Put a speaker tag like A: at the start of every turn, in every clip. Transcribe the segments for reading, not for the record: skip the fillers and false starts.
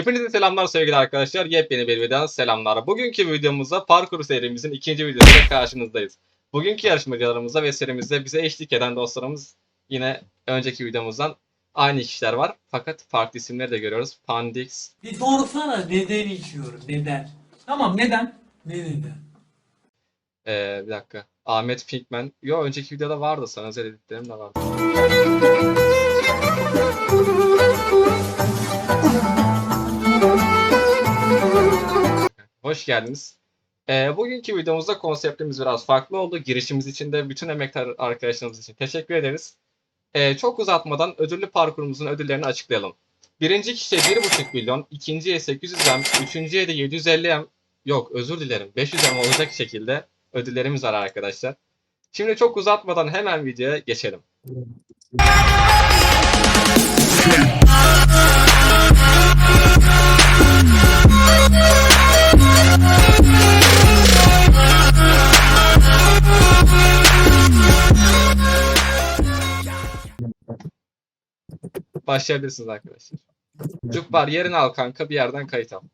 A: Hepinize selamlar sevgili arkadaşlar. Yepyeni bir videodan selamlar. Bugünkü videomuzda parkur serimizin ikinci videosuyla karşınızdayız. Bugünkü yarışmacılarımızda ve serimizde bize eşlik eden dostlarımız yine önceki videomuzdan aynı kişiler var. Fakat farklı isimleri de görüyoruz. Pandix.
B: Bir sorsana neden içiyorum? Neden? Tamam neden? Ne neden?
A: Bir dakika. Ahmet Pinkman. Yo, önceki videoda vardı. Sana özel editlerim de vardı. Hoş geldiniz. Bugünkü videomuzda konseptimiz biraz farklı oldu. Girişimiz için de bütün emektar arkadaşlarımız için teşekkür ederiz. Çok uzatmadan ödüllü parkurumuzun ödüllerini açıklayalım. Birinci kişiye 1,5 milyon, ikinciye 800M, üçüncüye de 750M, yok özür dilerim 500M olacak şekilde ödüllerimiz var arkadaşlar. Şimdi çok uzatmadan hemen videoya geçelim. Başlayabilirsiniz arkadaşlar. Cukbar yerini al kanka, bir yerden kayıt al.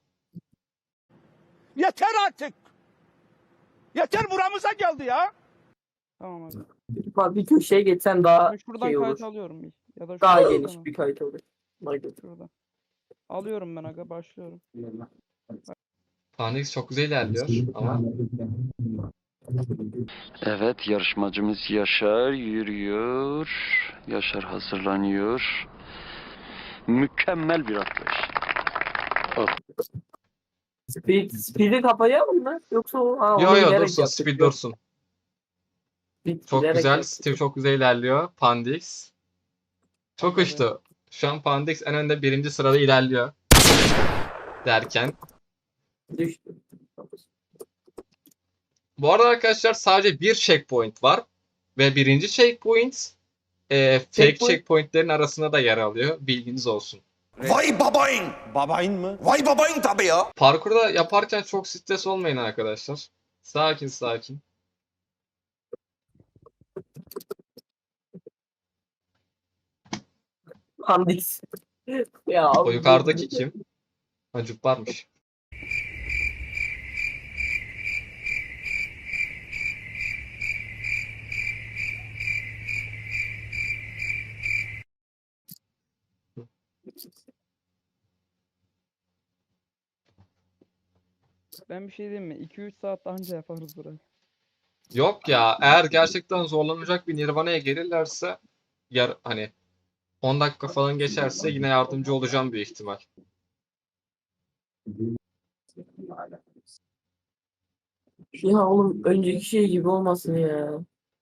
C: Yeter artık. Yeter buramıza geldi ya.
D: Tamam abi.
E: Bak bir köşeye geçsen daha
D: Ben şuradan
E: şey olur.
D: kayıt alıyorum bir. Ya da
E: Daha
D: şuradan,
E: geniş
D: tamam.
E: bir kayıt olur.
D: Şuradan. Alıyorum ben aga, başlıyorum.
A: Pandix çok güzel ilerliyor ama
F: Evet, yarışmacımız Yaşar yürüyor. Yaşar hazırlanıyor. Mükemmel bir atlayış.
E: Speed'i kapayalım mı? Yoksa o...
A: yo
E: onu
A: yo
E: bilerek
A: dursun,
E: yaptık.
A: speed dursun. Çok
E: Bilerek
A: güzel,
E: yaptık.
A: Steve çok güzel ilerliyor. Pandix. Çok
D: Tabii.
A: uçtu. Şu an Pandix en önde, birinci sırada ilerliyor. Derken.
E: Düştü.
A: Bu arada arkadaşlar sadece bir checkpoint var. Ve birinci checkpoint fake checkpointlerin arasında da yer alıyor. Bilginiz olsun.
C: Vay babayın. Babayın mı? Vay babayın tabii ya.
A: Parkurda yaparken çok stres olmayın arkadaşlar. Sakin sakin.
E: Pandix. Ya,
A: O yukarıdaki kim? Acuk varmış.
D: Ben bir şey diyeyim mi? 2-3 saat daha önce yaparız burayı.
A: Yok ya, eğer gerçekten zorlanacak bir Nirvana'ya gelirlerse hani 10 dakika falan geçerse yine yardımcı olacağım büyük ihtimal.
E: Ya oğlum önceki şey gibi olmasın ya.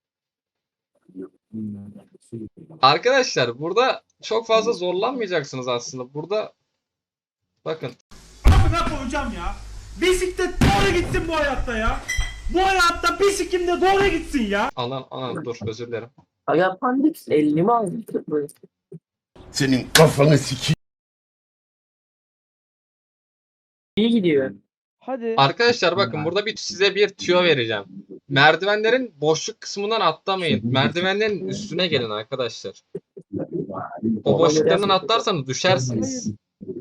A: Arkadaşlar burada çok fazla zorlanmayacaksınız aslında. Burada bakın.
G: Ne koyacağım ya? Bisiklet doğru gitsin bu hayatta ya. Bu hayatta bisikletim de doğru gitsin ya.
A: Anan dur, özür dilerim.
E: Ya Pandix 50 mi aldı?
C: Senin kafanı sikeyim.
E: İyi gidiyor.
D: Hadi.
A: Arkadaşlar bakın, burada size bir tüyo vereceğim. Merdivenlerin boşluk kısmından atlamayın. Merdivenlerin üstüne gelin arkadaşlar. O boşluklarından atlarsanız düşersiniz.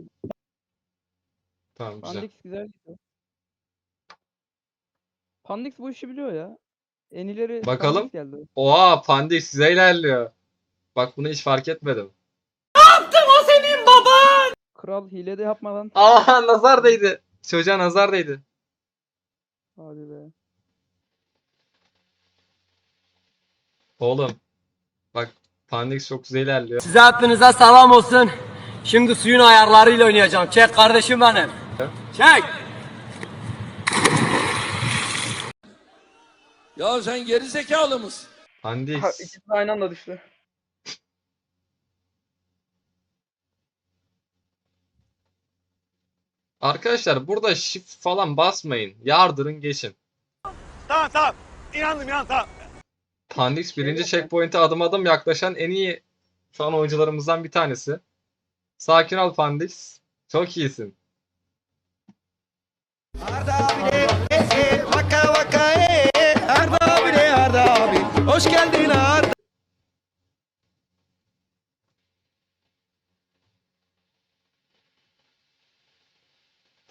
A: Tamam, güzel.
D: Pandix güzel gidiyor. Pandix bu işi biliyor ya. En ileri
A: Bakalım.
D: Pandix geldi.
A: Oha, Pandix size ilerliyor. Bak, bunu hiç fark etmedim.
D: Kral hile de yapmadan.
A: Aa, nazar değdi. Çocuğa nazar değdi.
D: Hadi be.
A: Oğlum. Bak, Pandix çok güzel ilerliyor.
H: Size hepinize selam olsun. Şimdi suyun ayarlarıyla oynayacağım. Çek kardeşim benim. Çek.
I: Ya sen geri zekalı mısın?
A: Pandix.
D: İkisi aynı anda düştü.
A: Arkadaşlar burada shift falan basmayın. Yardırın geçin.
C: Tamam. İnandım tamam.
A: Pandix birinci checkpoint'e adım adım yaklaşan en iyi şu an oyuncularımızdan bir tanesi. Sakin ol Pandix. Çok iyisin.
C: Arda abi vaka vaka Arda abi hoş geldin Arda.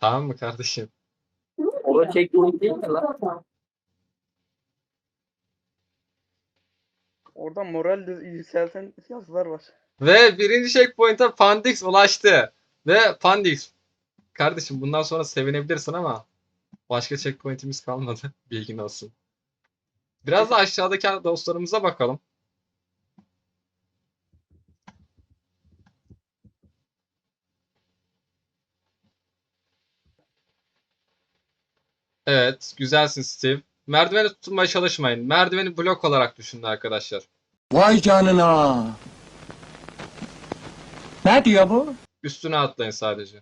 A: Tamam mı kardeşim?
E: O da checkpoint değil mi lan?
D: Orada moral yükselten yazılar var.
A: Ve birinci checkpoint'e Pandix ulaştı. Ve Pandix, kardeşim bundan sonra sevinebilirsin ama başka checkpoint'imiz kalmadı. Bilgin olsun. Biraz da aşağıdaki dostlarımıza bakalım. Evet, güzelsin Steve. Merdiveni tutunmaya çalışmayın. Merdiveni blok olarak düşünün arkadaşlar.
C: Vay canına. Ne diyor bu?
A: Üstüne atlayın sadece.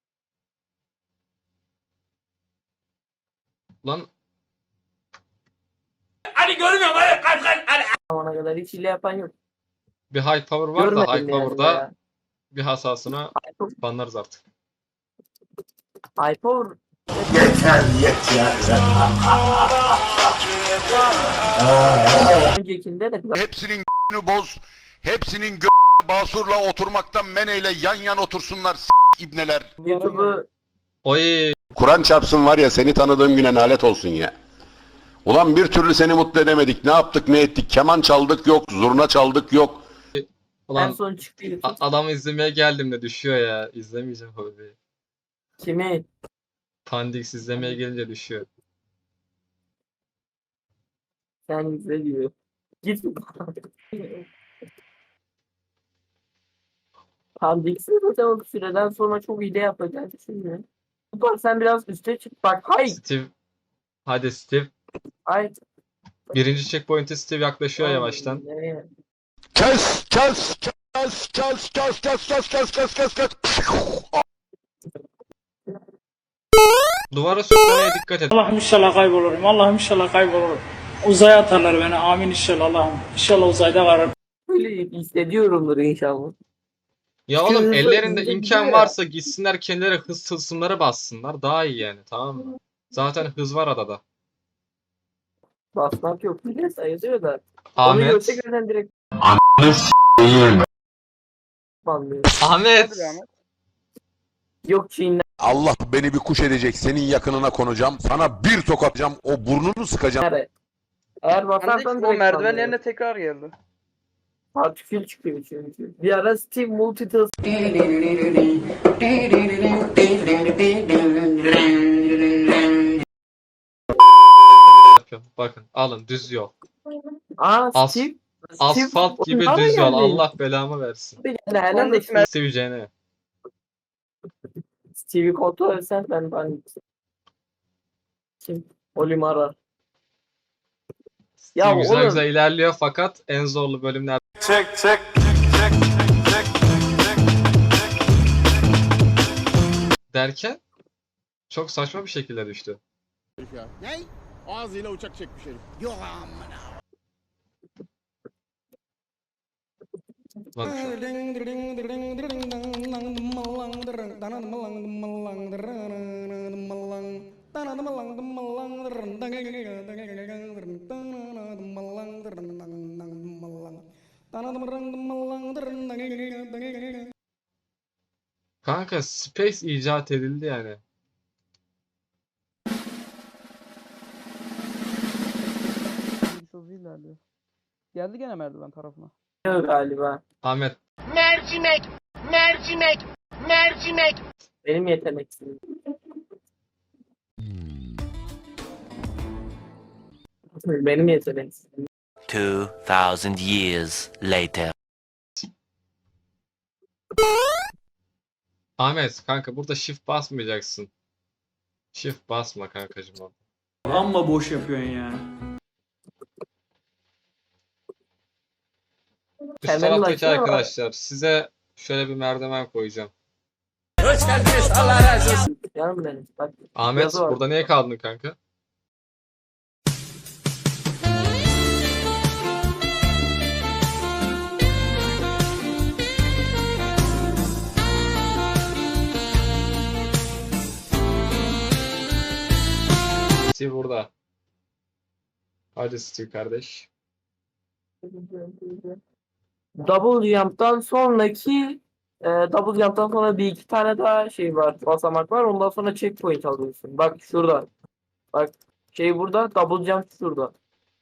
A: Lan
E: Zamana kadar hiç hile yapan yok.
A: bir high power var da high
E: Görmedim yani
A: power'da
E: ya.
A: bir hasasına banlarız artık.
E: Hyper öncekinde de
C: Hepsinin boz. Hepsinin basurla oturmaktan meneyle yan yan otursunlar ibneler.
E: YouTube'u
A: Oy,
C: Kur'an çarpsın var ya seni tanıdığım güne nalet olsun ya. Ulan bir türlü seni mutlu edemedik. Ne yaptık ne ettik? Keman çaldık yok. Zurna çaldık yok.
E: en
A: ulan
E: son çıktı YouTube.
A: adamı izlemeye geldim de düşüyor ya. İzlemeyeceğim hobi.
E: Kimi?
A: Pandix izlemeye gelince düşüyor.
E: Sen izle diyor. Git. Pandix'i zaten o süreden sonra çok hile yapacağını düşünmüyorum. Bak sen biraz üste çık. Bak hay.
A: Steve, hadi Steve.
E: Hay.
A: Birinci checkpoint'e Steve yaklaşıyor yavaştan.
E: Nereye?
C: Kes kes kes kes kes kes kes kes kes kes kes.
A: Duvara sürtmemeye dikkat et.
B: Allah'ım inşallah kaybolurum. Allah'ım inşallah kaybolurum. Uzaya atarlar beni. Amin inşallah Allah'ım. İnşallah uzayda karar.
E: Böyle hissediyorumdur inşallah.
A: Ya oğlum
E: Hızlı-
A: ellerinde
E: hızlı
A: imkan
E: gidiyor ya.
A: varsa gitsinler kendileri hız tılsımları bassınlar. Daha iyi yani, tamam mı? Zaten hız var adada.
E: Basmak yok. Hile sayılıyor da. Onu
A: Ahmet.
E: görse gören direkt banlıyor.
A: Ahmet.
D: Hadi be Ahmet.
E: Yok Çin'den
C: Allah beni bir kuş edecek. Senin yakınına konacağım. Sana bir tokatacağım. O burnunu sıkacağım.
E: nereye? Eğer
D: Pandix
E: basarsan
D: o
E: direkt
D: merdiven
E: banlıyor.
D: yerine tekrar geldi.
E: Partikül çıkıyor çünkü. Bir ara Steve Multitask
A: Bakın alın düz yol.
E: Aa
A: As-
E: Steve
A: Asfalt gibi
E: Nereye
A: düz yol.
E: geldin?
A: Allah belamı versin.
E: Steve geldi. Helal
D: Pandix
E: olsun.
A: Steve Jane.
E: Steve'i kontrol etsen ben kim? Olim arar. Ya
A: Steve güzel
E: oğlum.
A: güzel ilerliyor fakat en zorlu bölümler. Derken çok saçma bir şekilde düştü.
J: Ne? Ağzıyla uçak çekmiş herif. Yok amına.
A: Bak şu. Kanka Space icat edildi yani.
D: Hızlı ilerliyor. Geldi gene merdiven tarafına.
E: Yok galiba.
A: Ahmet
J: Mercimek, mercimek, mercimek.
E: Benim yeteneksizim. Benim yeteneksizim.
K: 2000 years later.
A: Ahmet kanka burada shift basmayacaksın. Shift basma kankacım orada.
B: Amma boş yapıyorsun ya.
A: Üst
E: Kendini
A: taraftaki
E: açsana.
A: arkadaşlar size şöyle bir merdiven koyacağım.
E: Canım benim. Bak
A: Ahmet
E: yazı var.
A: burada niye kaldın kanka? Steve burada. Hadi Steve kardeş.
E: Double jump'tan sonraki Double jump'tan sonra bir iki tane daha şey var. Basamak var. Ondan sonra checkpoint alıyorsun. Bak şurada. Bak şey burada. Double jump şurada.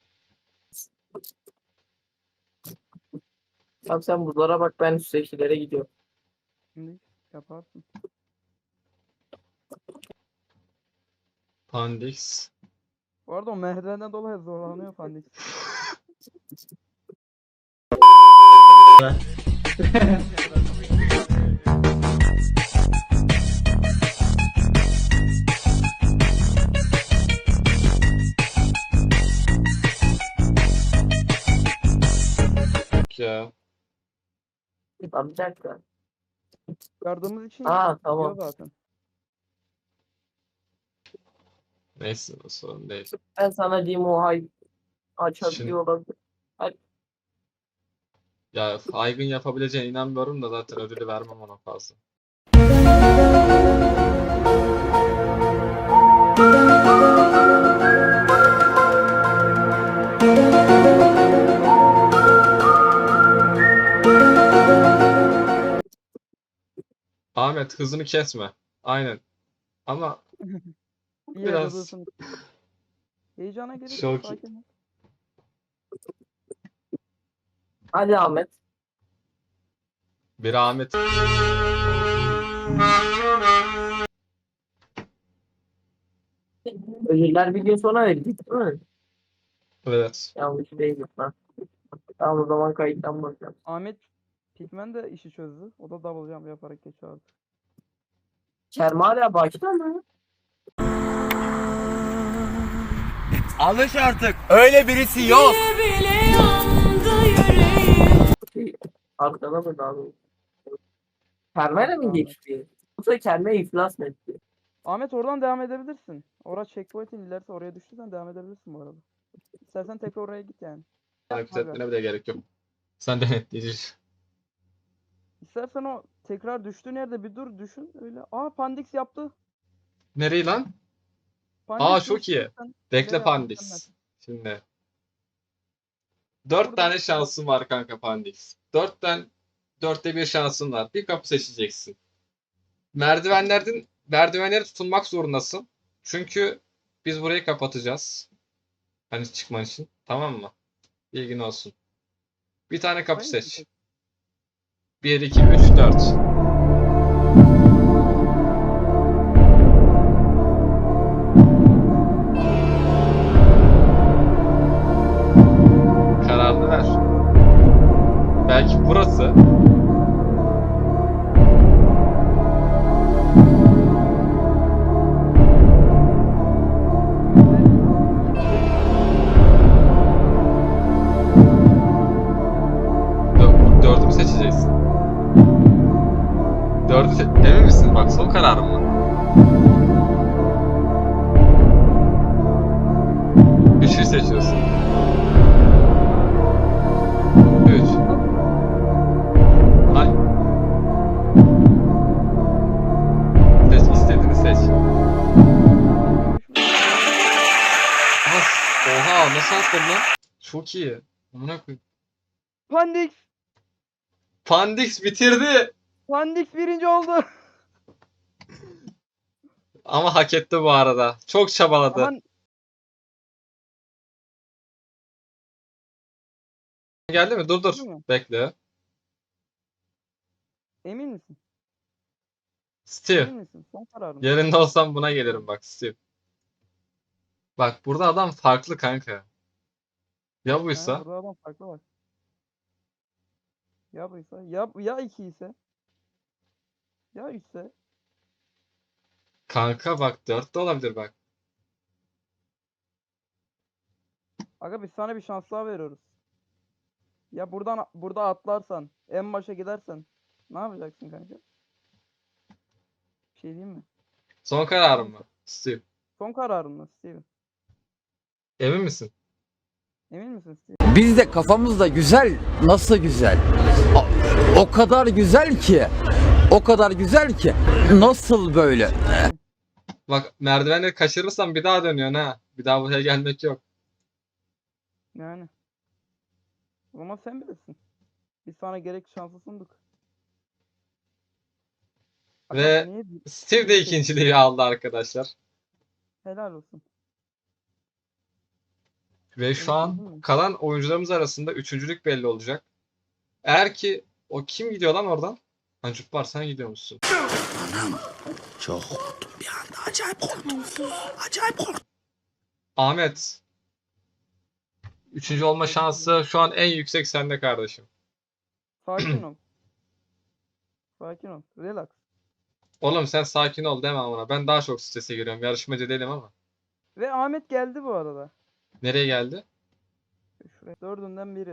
E: Tamam sen buralara bak. Ben üsttekilere gidiyorum.
D: Şimdi yaparsın.
A: Pandix.
D: Bu arada o merdivenden dolayı zorlanıyor Pandix.
A: Ya.
E: Tamam bir dakika.
D: Yardımımız için
E: Aa
D: diyor
E: tamam.
D: zaten.
A: Neyse o sorun değil.
E: Ben sana diyeyim o hay açabiliyor olabilir.
A: Ya Aygın yapabileceğine inanmıyorum da zaten ödülü vermem ona fazla. Ahmet hızını kesme. Aynen. Ama
D: İyi
A: Biraz-
D: biraz... Heyecana gerek
A: Çok
D: yok.
A: iyi.
D: Sakin ol.
E: Hadi Ahmet.
A: bir Ahmet
E: Ödüller bir gün sonra verecek değil mi?
A: evet.
E: Yanlış değil mi? Tamam o zaman kayıttan bakacağım.
D: Ahmet Pigmen de işi çözdü. O da double jump yaparak geçiyor artık.
E: Kerem hala başta mı?
H: Alış artık. Öyle birisi yok.
E: Arkada mı daha doğrusu? Kerem'e mi geçti? Yoksa Kerem'e iflas mı etti?
D: Ahmet oradan devam edebilirsin. Orası checkpoint'in ilerisi, oraya düştüysen devam edebilirsin bu arada. İstersen tekrar oraya git yani.
A: Hareket
D: Abi.
A: etmene bile gerek yok. Sen denetleyici.
D: İstersen o tekrar düştüğün yerde bir dur düşün öyle. Aa Pandix yaptı.
A: Nereyi lan?
D: Pandix
A: çok
D: geçti.
A: iyi.
D: Sen-
A: Bekle
D: Nereye
A: Pandix. Şimdi. 4
D: Burada-
A: tane şansın var kanka Pandix. 4'te 1 şansın var. Bir kapı seçeceksin. Merdivenlere tutunmak zorundasın. Çünkü biz burayı kapatacağız. Hani çıkman için. Tamam mı? Bilgin olsun. Bir tane kapı
D: Burayı mı
A: seç.
D: seç?
A: 1, 2, 3, 4. Kararını ver. Belki burası. Dördümü seçeceksin. Emin misin? Bak son kararım mı? 3'ü seçiyorsun. 3. Ay. Seç, istediğini seç. Oha nasıl atladın lan? Çok iyi. Amına koyayım.
D: Pandix!
A: Pandix bitirdi.
D: Pandix birinci oldu.
A: Ama hak etti bu arada. Çok çabaladı.
D: Aman
A: Geldi mi? Dur dur.
D: Değil mi?
A: Bekle.
D: emin misin?
A: Steve.
D: Emin misin? Son kararın.
A: Yerinde olsam buna gelirim bak Steve. Bak burada adam farklı kanka. Ya buysa?
D: Burada adam farklı bak. Ya buysa? Ya iki ise? Ya üçse?
A: Kanka bak 4 de olabilir bak.
D: Aga biz sana bir şans daha veriyoruz. Ya burada atlarsan, en başa gidersen ne yapacaksın kanka? Bir şey diyeyim mi?
A: Son kararım mı? Steve.
D: Son kararın mı Steven?
A: Emin misin?
D: Emin misin Steven?
H: Biz de kafamızda güzel. Nasıl güzel? O kadar güzel ki. O kadar güzel ki. Nasıl böyle?
A: Bak merdivenleri kaçırırsan bir daha dönüyorsun ha. Bir daha buraya gelmek yok.
D: Yani. O zaman sen bilirsin. Biz sana gerek şansı sunduk.
A: Ve
D: Niye?
A: Steve de ikinciliği aldı arkadaşlar.
D: Helal olsun.
A: Ve şu an
D: Değil mi?
A: kalan oyuncularımız arasında üçüncülük belli olacak. Eğer ki o kim gidiyor lan oradan? Hancuk var sen gidiyor musun?
K: Çok korktum bir anda. Acayip korktum. Acayip korktum.
A: Ahmet. Üçüncü olma şansı şu an en yüksek sende kardeşim.
D: Sakin ol. Sakin ol. Relax.
A: Oğlum sen sakin ol deme ona. Ben daha çok strese giriyorum. Yarışmacı değilim ama.
D: Ve Ahmet geldi bu arada.
A: Nereye geldi?
D: Şuraya. Dördünden biri.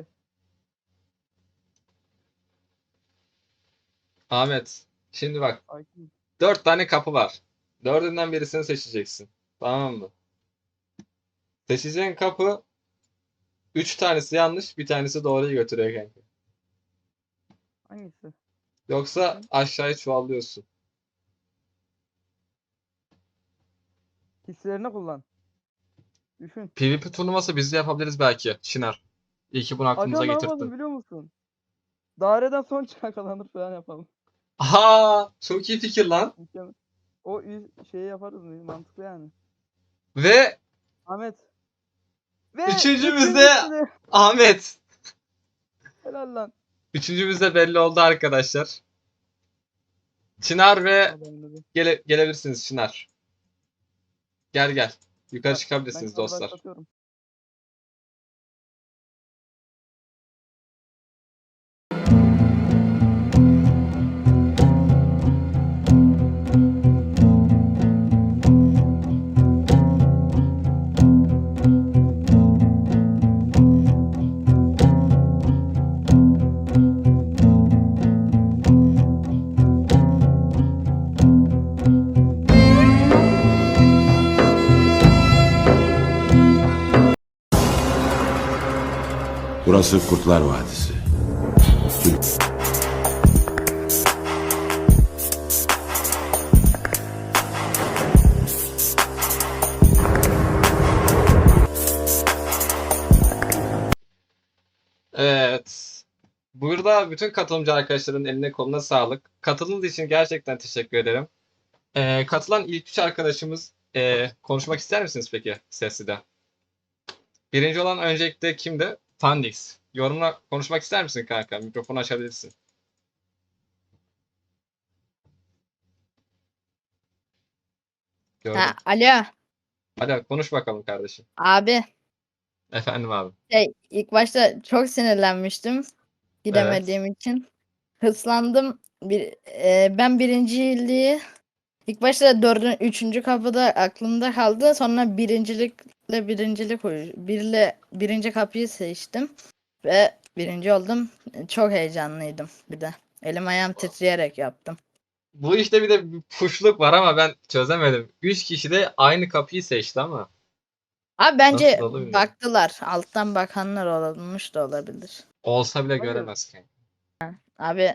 A: Ahmet. Şimdi bak.
D: Sakin.
A: 4 tane kapı var. Dördünden birisini seçeceksin. Tamam mı? Seçeceğin kapı 3 tanesi yanlış, bir tanesi doğruyu götürüyor kanka.
D: Hangisi?
A: Yoksa aşağıya çuvallıyorsun.
D: Hislerini kullan. Düşün.
A: PvP turnuvası biz de yapabiliriz belki. Çınar. İyi ki bunu
D: Aga
A: aklımıza
D: ne yapalım
A: getirdin.
D: biliyor musun? Daireden son çıkan kazanır falan yapalım.
A: Aha, çok iyi fikir lan.
D: Mükemmel. O şeyi yaparız mı? Mantıklı yani.
A: Ve
D: Ahmet. Ve
A: üçüncümüz de
D: üçüncüsü de-
A: Ahmet.
D: Helal lan.
A: Üçüncümüz de belli oldu arkadaşlar. Çınar ve
D: Adamın adı.
A: gelebilirsiniz Çınar. Gel gel. Yukarı
D: Ben
A: çıkabilirsiniz
D: kalı
A: dostlar.
D: başlatıyorum.
J: Burası Kurtlar Vadisi.
A: Evet. Burada bütün katılımcı arkadaşların eline koluna sağlık. Katıldığınız için gerçekten teşekkür ederim. Katılan ilk üç arkadaşımız konuşmak ister misiniz peki sesli de? Birinci olan öncelikle kimdi? Fandix. Yorumla konuşmak ister misin kanka? Mikrofonu açabilirsin. Gördüm.
L: Ha, alo
A: Hadi konuş bakalım kardeşim.
L: abi,
A: Efendim abi.
L: ilk başta çok sinirlenmiştim gidemediğim için. Hırslandım. Ben birinciliği ilk başta üçüncü kapıda aklımda kaldı. Sonra birinci kapıyı seçtim ve birinci oldum. Çok heyecanlıydım bir de. Elim ayağım titreyerek yaptım.
A: Bu işte bir de bir puşluk var ama ben çözemedim. 3 kişi de aynı kapıyı seçti ama.
L: Abi bence
A: Nasıl oldu bilmiyorum.
L: baktılar. Alttan bakanlar olmuş da olabilir.
A: Olsa bile
D: Hayır.
A: göremez kanka.
L: Abi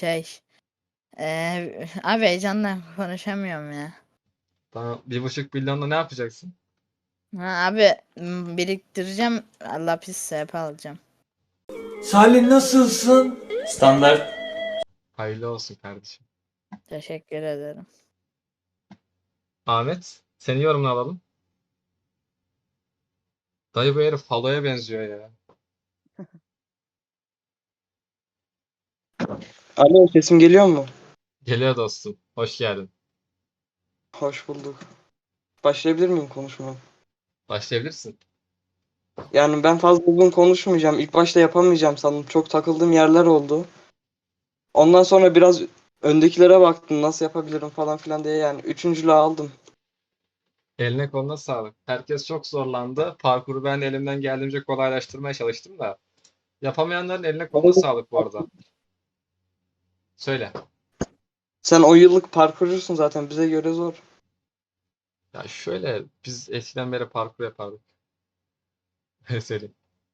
L: abi heyecanla konuşamıyorum ya.
A: Tamam, 1,5 milyonla ne yapacaksın?
L: Ha, abi biriktireceğim. Lapis SP alacağım.
I: Salih nasılsın? Standart.
A: Hayırlı olsun kardeşim.
L: Teşekkür ederim.
A: Ahmet, seni yorumunu alalım. Dayı bu herif Falo'ya benziyor ya.
M: Alo, sesim geliyor mu?
A: Geliyor dostum. Hoş geldin.
M: Hoş bulduk. Başlayabilir miyim konuşmaya?
A: Başlayabilirsin.
M: Yani ben fazla uzun konuşmayacağım. İlk başta yapamayacağım sandım. Çok takıldığım yerler oldu. Ondan sonra biraz öndekilere baktım nasıl yapabilirim falan filan diye, yani üçüncülüğü aldım.
A: Eline koluna sağlık. Herkes çok zorlandı. Parkuru ben de elimden geldiğince kolaylaştırmaya çalıştım da. Yapamayanların eline koluna sağlık bu arada. Söyle.
M: Sen o yıllık parkurcusun zaten, bize göre zor.
A: Ya şöyle biz eskiden beri parkur yapardık. Öyle söyleyeyim.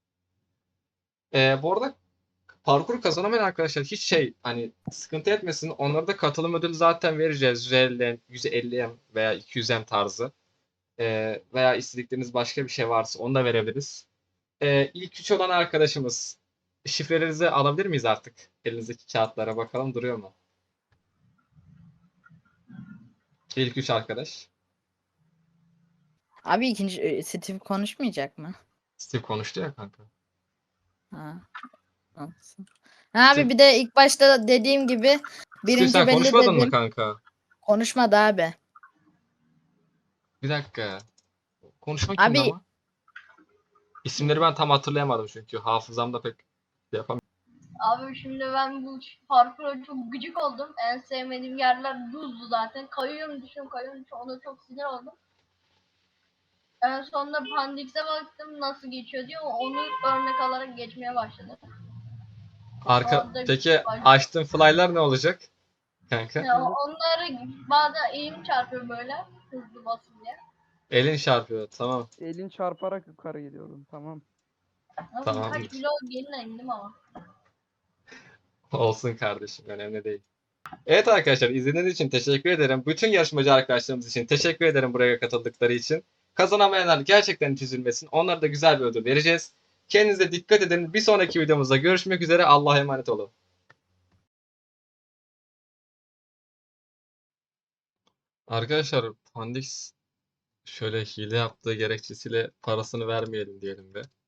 A: Bu arada parkur kazanamayan arkadaşlar hiç hani sıkıntı etmesin. Onlara da katılım ödülü zaten vereceğiz. 150M veya 200M tarzı. Veya istedikleriniz başka bir şey varsa onu da verebiliriz. İlk üç olan arkadaşımız şifrelerinizi alabilir miyiz artık? Elinizdeki kağıtlara bakalım duruyor mu? İlk 3 arkadaş.
L: Abi ikinci Steve konuşmayacak mı?
A: Steve konuştu ya kanka.
L: Ha. Olsun. Ha abi
A: Steve,
L: bir de ilk başta dediğim gibi
A: Steve
L: birinci
A: sen
L: belli
A: konuşmadın mı
L: dedim.
A: kanka?
L: Konuşmadı abi.
A: Bir dakika. Konuşma kimdi
L: Abi
A: ama? İsimleri ben tam hatırlayamadım çünkü hafızamda pek yapamıyorum.
N: Abi şimdi ben bu parkura çok gıcık oldum. En sevmediğim yerler buzdu zaten. Kayıyorum düşüyorum ona çok sinir oldum. En sonunda Pandix'e baktım nasıl geçiyor diye onu örnek alarak geçmeye başladım. Orada
A: Peki açtığın fly'lar ne olacak kanka?
N: ya onları bazen elim çarpıyor böyle hızlı basın diye.
A: Elin çarpıyor. Tamam.
D: Elin çarparak yukarı gidiyordun. Tamam.
N: Ama
A: Tamam.
N: birkaç kilo geline indim ama.
A: Olsun kardeşim. Önemli değil. Evet arkadaşlar izlediğiniz için teşekkür ederim. Bütün yarışmacı arkadaşlarımız için teşekkür ederim buraya katıldıkları için. Kazanamayanlar gerçekten hiç üzülmesin. Onlara da güzel bir ödül vereceğiz. Kendinize dikkat edin. Bir sonraki videomuzda görüşmek üzere. Allah'a emanet olun. Arkadaşlar Pandix şöyle hile yaptığı gerekçesiyle parasını vermeyelim diyelim be.